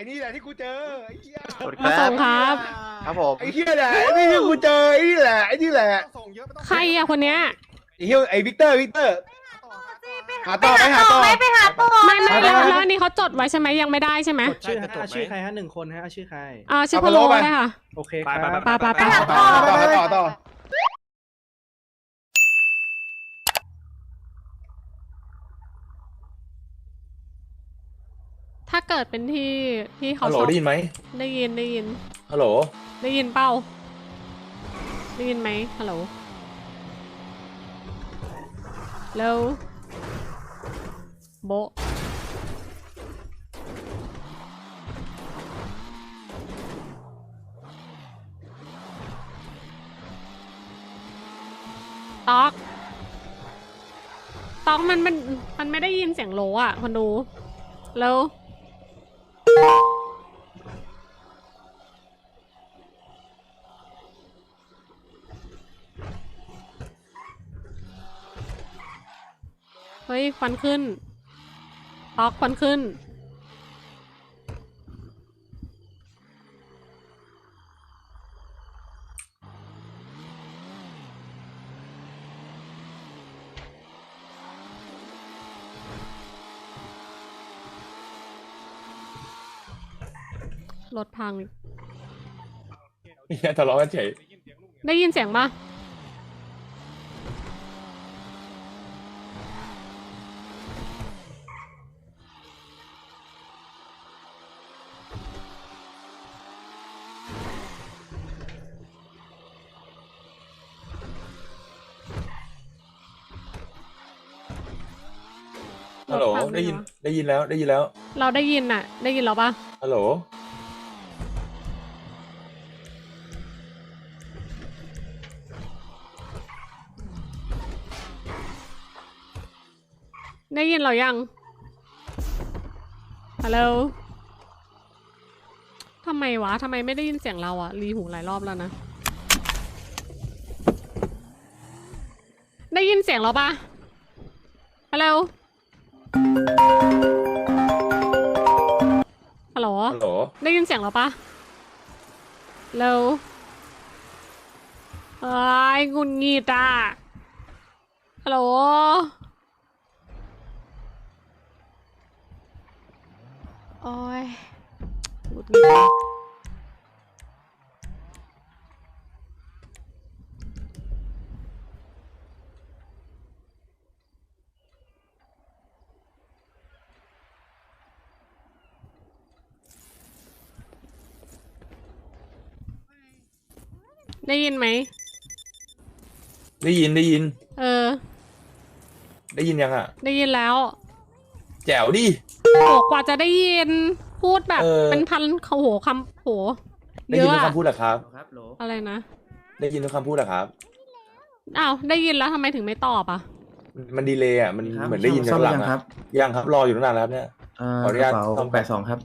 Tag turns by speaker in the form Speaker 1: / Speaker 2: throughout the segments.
Speaker 1: นี่แหละที่กูเจอไอ้เหี้ย
Speaker 2: มาส่งครับ
Speaker 3: ครับผม
Speaker 1: ไอ้เหี้ยแหละไอ้นี่ที่กูเจอไอ้นี่แหละไอ้นี่แหละ
Speaker 2: ใครอะคนเนี้ย
Speaker 1: ไอ้เหี้ยไอ้วิกเตอร์หาต่อไปหาต่อ
Speaker 4: ไปหาต่อ
Speaker 2: ไม่แล้วอันนี้เขาจดไว้ใช่ไหมยังไม่ได้ใช่ไหม
Speaker 5: ชื่อฮะชื่อใครฮะ1 คนฮะชื่อใคร
Speaker 2: ชื่อพะโล้ได้ค่ะ
Speaker 5: โอเคครับ
Speaker 2: ไป
Speaker 1: ต่อ
Speaker 2: ถ้าเกิดเป็นที่เขา
Speaker 6: ฮัลโหล
Speaker 2: ชอบ
Speaker 6: ได้ยินไหม
Speaker 2: ได้ยิน
Speaker 6: ฮัลโหล
Speaker 2: ได้ยินเป้าได้ยินไหมฮัลโหลแล้วโบะตอกมันไม่ได้ยินเสียงโลอ่ะคนดูแล้วเฮ้ยควันขึ้นตอกควันขึ้นรถพัง
Speaker 6: เนี่ยทะเลาะกันเฉย
Speaker 2: ได้ยินเสียงปะ
Speaker 6: ฮัลโหล ได้ยินแล้ว
Speaker 2: เราได้ยินอะได้ยินเราปะ
Speaker 6: ฮัลโหล
Speaker 2: ได้ยินเรายังฮัลโหลทำไมวะทำไมไม่ได้ยินเสียงเราอะรีหูหลายรอบแล้วนะได้ยินเสียงเราปะฮัลโหลฮัลโหล
Speaker 6: ฮัลโหล
Speaker 2: ได้ยินเสียงเราปะเร็วไอ้ยงุนงีตาฮัลโหลโอ้ยงุนงีตได้ยินไหม
Speaker 6: ได้ยิน
Speaker 2: ได้ยิน
Speaker 6: ยังอ่ะ
Speaker 2: ได้ยินแล้ว
Speaker 6: แจ๋วดิ
Speaker 2: โหกว่าจะได้ยินพูดแบบเป็นพันเขาโหคำโห
Speaker 6: ได้
Speaker 2: เย
Speaker 6: ยิน
Speaker 2: อะ
Speaker 6: ทุก
Speaker 2: อะ
Speaker 6: คำพูดเหรอครับ
Speaker 2: อะไรนะ
Speaker 6: ได้ยินทุกคำพูดเหรอครับ
Speaker 2: อ้าวได้ยินแล้วทำไมถึงไม่ตอบอ่ะ
Speaker 6: มันดีเลยอ่ะ มันเหมือนได้ยินจากหลังอ่ะยังครับ รออยู่ตั้งนานแล้วเนี่ย ขออนุญาต
Speaker 3: ต้อง82ครับ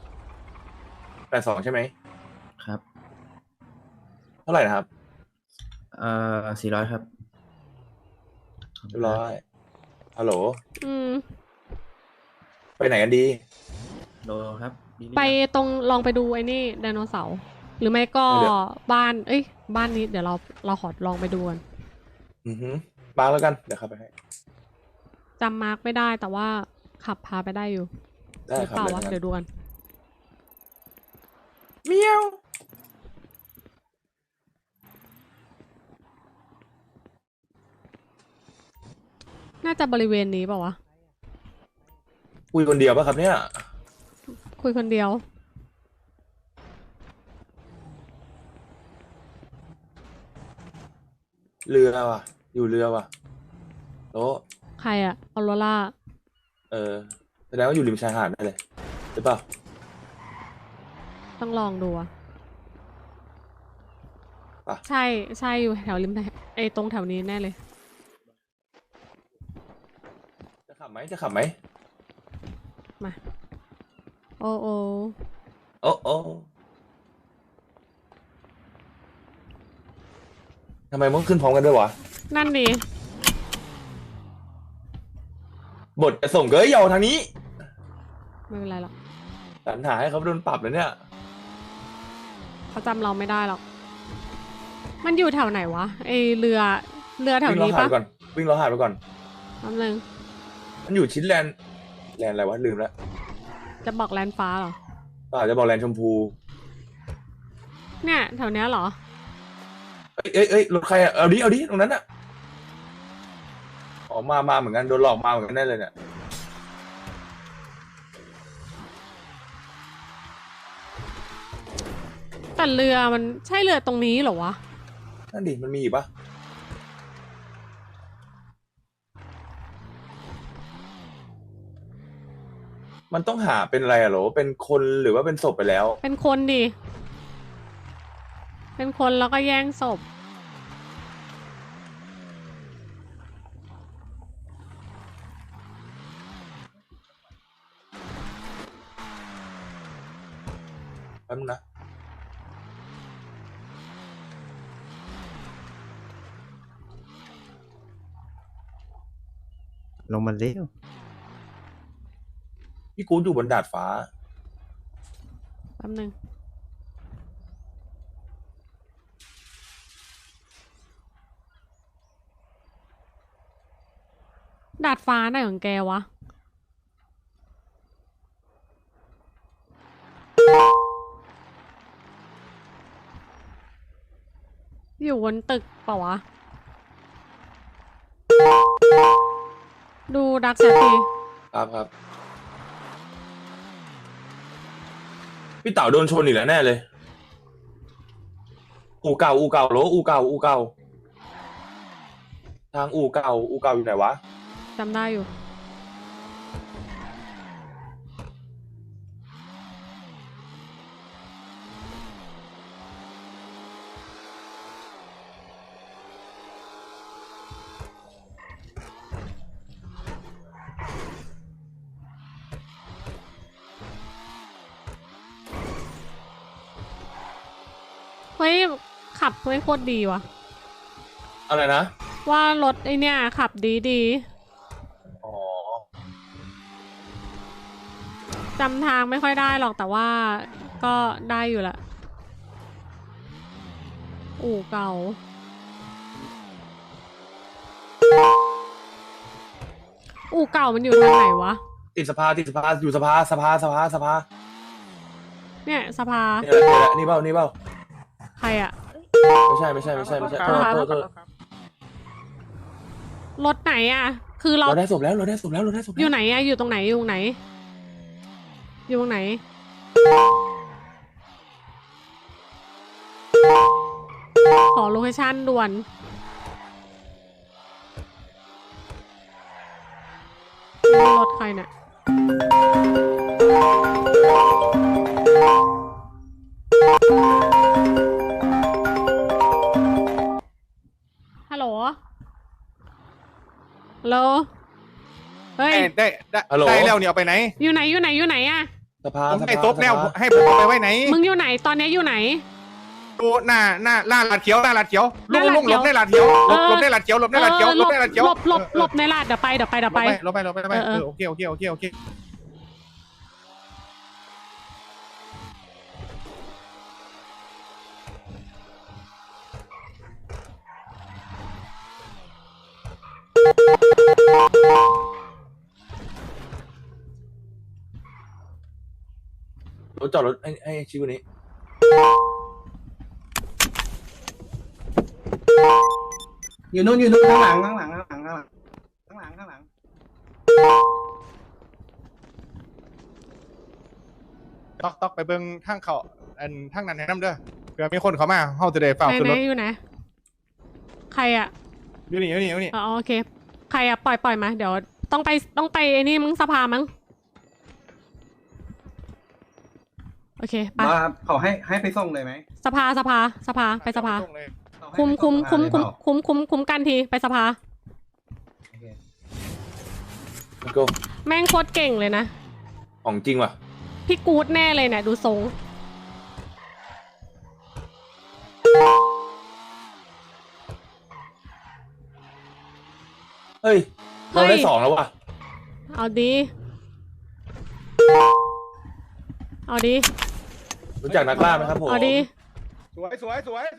Speaker 6: 82ใช่ไหม
Speaker 3: ครับ
Speaker 6: เท่าไหร่นะครับ
Speaker 3: 400ครับ
Speaker 6: เรียบร้อย ฮัลโหล
Speaker 2: ม
Speaker 6: ไปไหนกันดี
Speaker 3: โดครับ
Speaker 2: ไปตรงลองไปดูไอ้นี่ไดโนเสาร์หรือไม่ก็
Speaker 6: เดี๋ยว
Speaker 2: บ้านบ้านนี้เดี๋ยวเราขอลองไปดูกัน
Speaker 6: มาแล้วกัน เดี๋ยวขับไปให้
Speaker 2: จำมาร์กไม่ได้แต่ว่าขับพาไปได้อยู่
Speaker 6: ได้
Speaker 2: หรือ
Speaker 6: ครับ
Speaker 2: เปล่าวะ
Speaker 6: ได้ครับ
Speaker 2: เดี๋ยวดูกัน
Speaker 6: เมียว
Speaker 2: น่าจะบริเวณนี้เปล่าวะ
Speaker 6: คุยคนเดียวป่ะครับเนี่ย
Speaker 2: คุยคนเดียว
Speaker 6: เรือว่ะ อยู่เรือว่ะโต๊ะ
Speaker 2: ใครอะออโรร่า
Speaker 6: แสดงว่าอยู่ริมชายหาดได้เลยหรือเปล่า
Speaker 2: ต้องลองดูอะ
Speaker 6: ป่ะ
Speaker 2: ใช่อยู่แถวริมตรงแถวนี้แน่เลย
Speaker 6: จะขับไหม
Speaker 2: มา โอ้
Speaker 6: โอ้ทำไมมึงขึ้นพร้อมกันด้วยวะ
Speaker 2: นั่นดิ
Speaker 6: บทจะส่งเกยเยาทางนี้
Speaker 2: ไม่เป็นไรหรอก
Speaker 6: สรรหาให้เขาโดนปรับเลยเนี่ย
Speaker 2: เขาจำเราไม่ได้หรอก มันอยู่แถวไหนวะไอเรือแถว
Speaker 6: วิ่งล้อ
Speaker 2: นี้
Speaker 6: หา
Speaker 2: ปะ
Speaker 6: ยไปก่อนวิ่งล้อหายไปก่อน
Speaker 2: แป๊บนึง
Speaker 6: มันอยู่ชิ้นแลนด์อะไรวะลืมแล้ว
Speaker 2: จะบอกแลนฟ้าเหรอ
Speaker 6: ป่าจะบอกแลนด์ชมพู
Speaker 2: เนี่ยแถวเนี้ยเหรอ
Speaker 6: เอ้ยรถใครอ่ะเอาดิตรงนั้นอ่ะออกมาเหมือนกันโดนหลอกมาเหมือนกันแน่เลยเนี่ย
Speaker 2: แต่เรือมันใช่เรือตรงนี้เหรอวะ
Speaker 6: นั่นดิมันมีอีกปะมันต้องหาเป็นอะไรอะโหรอเป็นคนหรือว่าเป็นศพไปแล้ว
Speaker 2: เป็นคนดิ เป็นคนแล้วก็แย่งศพ
Speaker 6: แป๊บนึงนะ
Speaker 4: ลงมาเร็ว
Speaker 6: พี่กู๊ดอยู่บนดาดฟ้า
Speaker 2: แป๊บนึง ดาดฟ้าไหนของแกวะ อยู่บนตึกเปล่าวะ ดูดักแซที
Speaker 6: ครับพี่เต๋าโดนชนอีกแล้วแน่เลย อู่เก่าโหรออู่เก่าทางอู่เก่าอยู่ไหนวะ
Speaker 2: จำได้อยู่ เฮ้ย ขับไม่โคตรดีว่ะ
Speaker 6: อะไรนะ
Speaker 2: ว่ารถไอเนี่ยขับดี
Speaker 6: อ๋อ
Speaker 2: จำทางไม่ค่อยได้หรอกแต่ว่าก็ได้อยู่ละ อู่เก่า อู่เก่ามันอยู่ทางไหนวะ
Speaker 6: ติดสภาอยู่สภา
Speaker 2: เนี่ยสภา
Speaker 6: นี่เปล่า
Speaker 2: ใครอะ
Speaker 6: ไม่ใช่โทษ
Speaker 2: รถไหนอะคือเรา
Speaker 6: เราได้ศพแล้ว
Speaker 2: อยู่ไหนอะอยู่ตรงไหนอยู่ตรงไหน อยู่ตรงไหน ขอโลเคชั่นด่วนนี่รถใครเนี่ยฮัลโหล ฮัลโหล เฮ้ย
Speaker 1: ได้
Speaker 6: ฮัลโหล
Speaker 1: ได้แล้วเนี่ยเอาไปไหน
Speaker 2: อยู่ไหนอะ
Speaker 6: สภา
Speaker 1: ผมให้ซบแล้วให้ผมเอาไปไว้ไหน
Speaker 2: มึงอยู่ไหน ตอนนี้อยู่ไหน
Speaker 1: ดูหน้าลาดเขียวลุง
Speaker 2: หน้าลาดเขียว
Speaker 1: หลบในลาดเขียว
Speaker 2: เออ
Speaker 1: หลบในลาดเขียวหลบในลาดเขียว
Speaker 2: หลบ
Speaker 1: ในลาดเขียว
Speaker 2: หลบในลาดเดี๋ยวไป
Speaker 1: หลบไปโอเค
Speaker 6: รถจอดรถให้ชิวนี้
Speaker 5: อยู่นู่นข้างหลัง
Speaker 1: ต๊อกไปเบิ่งทางเขาทางนั้นให้น้ำเด้อเผื่อมีคนเขามาเฮาจะได้เฝ้าขึ้นรถ
Speaker 2: อยู่ไหน ใครอะ
Speaker 1: อยู่นี่
Speaker 2: อ๋อโอเค ใครอะปล่อยมา เดี๋ยวต้องไปไอ้นี่มึงสภามั้ง โอเคไป
Speaker 5: ว่าเขาให้ไปส่งเลยไหม
Speaker 2: สภาไปสภา คุมกันทีไปสภา
Speaker 6: ก็
Speaker 2: แม่งโคตรเก่งเลยนะ
Speaker 6: ของจริงว่ะ
Speaker 2: พี่กู๊ดแน่เลยเนี่ยดูทรง
Speaker 6: เฮ้ย เราได้
Speaker 2: เฮ้ย
Speaker 6: 2แล้วว่ะ
Speaker 2: เอาดีเอาดี
Speaker 6: รู้จักนักล่าไหมครับผม
Speaker 2: เอาดี
Speaker 1: สวยส่ง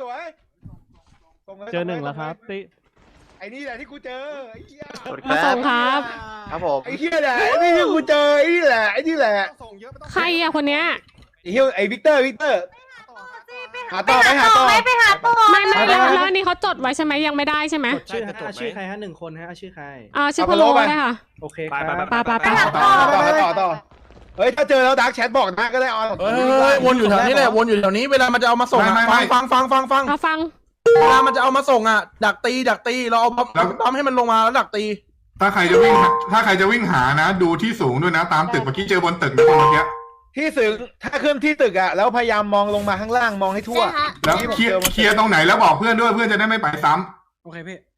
Speaker 1: ลย
Speaker 4: เจอหนึ่งแล้วครับติ
Speaker 1: ไอ้นี่แหละที่กูเจอไอ้เหี้ย
Speaker 2: มาส่งครับ
Speaker 7: ครับผม
Speaker 1: ไอ้เหี้ยแหละไอ้นี่ที่กูเจอไอ้นี่แหละส่งเยอะไม่ต้อง
Speaker 2: ใครอะคนเนี้ย
Speaker 1: ไอ้เหี้ยไอ้วิกเตอร์หาต่อไปหาต่อ
Speaker 8: ไปหาต่อ
Speaker 2: ไม่แล้วอันนี้เขาจดไว้ใช่ไหมยังไม่ได้ใช่ไหม
Speaker 4: ชื่อฮะชื่อใครฮะ1 คนฮะชื่อใคร
Speaker 2: ชื่อพะโล้ได้ค่ะ
Speaker 4: โอเคครับ
Speaker 2: ไป
Speaker 1: ต่อเฮ้ยถ้าเจอแล้วดาร์กแชทบอกนะก็ได้ออน
Speaker 9: เฮ้ยวนอยู่แถวนี้แหละวนอยู่แถวนี้เวลามันจะเอามาส่งอะฟัง
Speaker 2: เอาฟัง
Speaker 9: เวลามันจะเอามาส่งอ่ะดักตีเราเอาปั๊มให้มันลงมาแล้วดักตี
Speaker 10: ถ้าใครจะวิ่งหานะ ดูที่สูงด้วยนะ ตามตึกเมื่อกี้เจอบนตึกนะคนเมื่อกี้
Speaker 1: ที่สูงถ้าขึ้นที่ตึกอ่ะแล้วพยายามมองลงมาข้างล่างมองให้ทั่ว
Speaker 10: แล้วเคลียร์ตรงไหนแล้วบอกเพื่อนด้วยเพื่อนจะได้ไม่ไปซ้ำ
Speaker 4: โอเคพี่